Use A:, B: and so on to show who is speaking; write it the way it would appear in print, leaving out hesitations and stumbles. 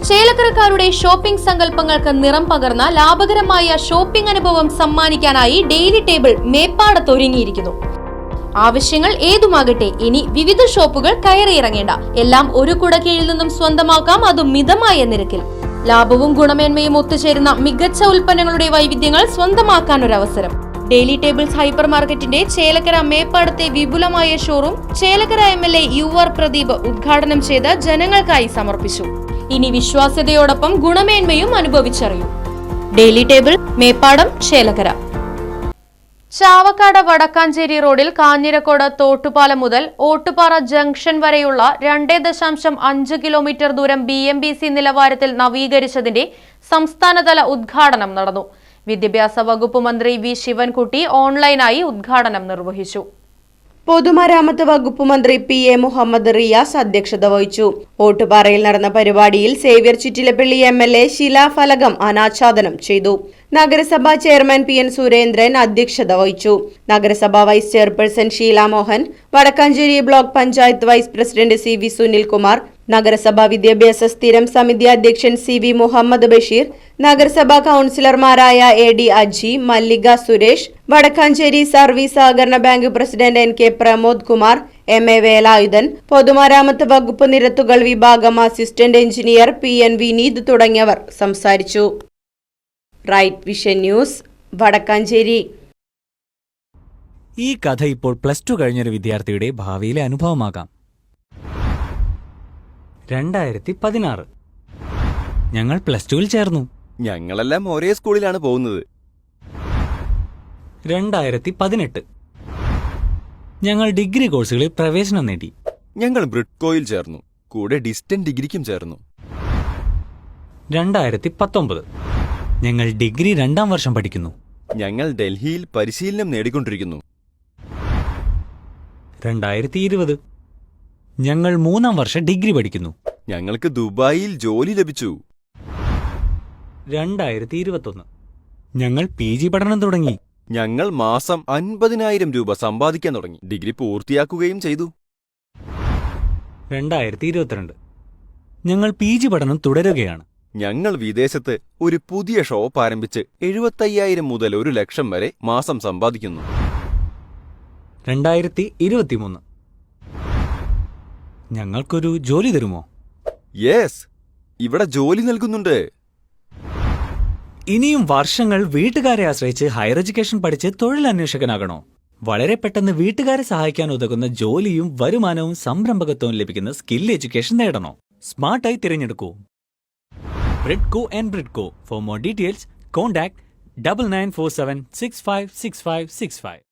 A: ചേലക്കരക്കാരുടെ shopping സങ്കല്പങ്ങൾക്ക് നിറം പകർന്ന ലാഭകരമായ ഷോപ്പിംഗ് അനുഭവം സമ്മാനിക്കാനായി ഡെയിലി ടേബിൾ മേപ്പാടത്തൊരുങ്ങിയിരിക്കുന്നു. ആവശ്യങ്ങൾ ഏതുമാകട്ടെ, ഇനി വിവിധ ഷോപ്പുകൾ കയറിയിറങ്ങേണ്ട. എല്ലാം ഒരു കുടക്കീഴിൽ നിന്നും സ്വന്തമാക്കാം, അതും മിതമായ നിരക്കിൽ. ലാഭവും ഗുണമേന്മയും ഒത്തുചേരുന്ന മികച്ച ഉൽപ്പന്നങ്ങളുടെ വൈവിധ്യങ്ങൾ സ്വന്തമാക്കാൻ ഒരു അവസരം. ഡെയിലി ടേബിൾസ് ഹൈപ്പർ മാർക്കറ്റിന്റെ ചേലക്കര മേപ്പാടത്തെ വിപുലമായ showroom Chelakkara MLA UR Pradeep ഉദ്ഘാടനം ചെയ്ത് ജനങ്ങൾക്കായി സമർപ്പിച്ചു. ഇനി വിശ്വാസ്യതയോടൊപ്പം ഗുണമേന്മയും അനുഭവിച്ചറിയൂ. Daily table, Meppadam, Chelakkara. ചാവക്കാട് വടക്കാഞ്ചേരി റോഡിൽ കാഞ്ഞിരക്കോട് തോട്ടുപാലം മുതൽ ഓട്ടുപാറ ജംഗ്ഷൻ വരെയുള്ള 2.5 കിലോമീറ്റർ ദൂരം BMBC നിലവാരത്തിൽ നവീകരിച്ചതിന്റെ സംസ്ഥാനതല ഉദ്ഘാടനം നടന്നു. വിദ്യാഭ്യാസ വകുപ്പ് മന്ത്രി V ശിവൻകുട്ടി ഓൺലൈനായി ഉദ്ഘാടനം നിർവഹിച്ചു.
B: പൊതുമരാമത്ത് വകുപ്പ് മന്ത്രി PA മുഹമ്മദ് റിയാസ് അധ്യക്ഷത വഹിച്ചു. ഓട്ടുപാറയിൽ നടന്ന പരിപാടിയിൽ സേവ്യർ ചിറ്റിലപ്പള്ളി MLA ശിലാഫലകം അനാച്ഛാദനം ചെയ്തു. നഗരസഭാ ചെയർമാൻ PN സുരേന്ദ്രൻ അധ്യക്ഷത വഹിച്ചു. നഗരസഭാ vice chairperson Sheela Mohan, Wadakkanchery block panchayat vice president CV Sunilkumar, നഗരസഭാ വിദ്യാഭ്യാസ സ്ഥിരം സമിതി അധ്യക്ഷൻ CV മുഹമ്മദ് ബഷീർ, നഗരസഭാ കൌൺസിലർമാരായ AD അജി, മല്ലിക സുരേഷ്, വടക്കാഞ്ചേരി സർവീസ് സഹകരണ bank president NK Pramod Kumar, MA Velayudhan, പൊതുമരാമത്ത് വകുപ്പ് നിരത്തുകൾ വിഭാഗം അസിസ്റ്റന്റ് എഞ്ചിനീയർ PN വിനീത് തുടങ്ങിയവർ സംസാരിച്ചു. Right vision news, Wadakkanchery.
C: ഈ കഥ ഇപ്പോൾ +2 കഴിഞ്ഞൊരു വിദ്യാർത്ഥിയുടെ ഭാവിയിലെ അനുഭവമാകാം. 2016 ഞങ്ങൾ +2-ൽ ചേർന്നു.
D: ഞങ്ങളെല്ലാം ഒരേ സ്കൂളിലാണ് പോകുന്നത്.
C: 2018 ഞങ്ങൾ ഡിഗ്രി കോഴ്സുകളിൽ പ്രവേശനം നേടി.
D: ഞങ്ങൾ ബ്രിഡ്കോയിൽ ചേർന്നു, കൂടെ ഡിസ്റ്റന്റ് ഡിഗ്രിക്കും ചേർന്നു.
C: 2019 ഞങ്ങൾ ഡിഗ്രി 2ാം വർഷം പഠിക്കുന്നു.
D: ഞങ്ങൾ ഡൽഹിയിൽ പരിശീലനം നേടിക്കൊണ്ടിരിക്കുന്നു.
C: 2020 ഞങ്ങൾ 3ാം വർഷം ഡിഗ്രി പഠിക്കുന്നു.
D: ഞങ്ങൾക്ക് ദുബായിൽ ജോലി ലഭിച്ചു.
C: 2021 ഞങ്ങൾ PG പഠനം തുടങ്ങി.
D: ഞങ്ങൾ മാസം 50,000 രൂപ സമ്പാദിക്കാൻ തുടങ്ങി. ഡിഗ്രി പൂർത്തിയാക്കുകയും ചെയ്തു.
C: 2022 ഞങ്ങൾ PG പഠനം തുടരുകയാണ്.
D: ഞങ്ങൾ വിദേശത്ത് ഒരു പുതിയ ഷോപ്പ് ആരംഭിച്ച് 75,000 മുതൽ 1 ലക്ഷം വരെ മാസം സമ്പാദിക്കുന്നു.
C: 2023 ഞങ്ങൾക്കൊരു ജോലി തരുമോ?
D: യെസ്, ഇവിടെ ജോലി നൽകുന്നുണ്ട്.
C: ഇനിയും വർഷങ്ങൾ വീട്ടുകാരെ ആശ്രയിച്ച് ഹയർ എഡ്യൂക്കേഷൻ പഠിച്ച് തൊഴിലന്വേഷകനാകണോ? വളരെ പെട്ടെന്ന് വീട്ടുകാരെ സഹായിക്കാൻ ഉതകുന്ന ജോലിയും വരുമാനവും സംരംഭകത്വവും ലഭിക്കുന്ന സ്കിൽ എഡ്യൂക്കേഷൻ നേടണോ? സ്മാർട്ടായി തിരഞ്ഞെടുക്കൂ. Bridco and Bridco. For more details, contact 9947656565.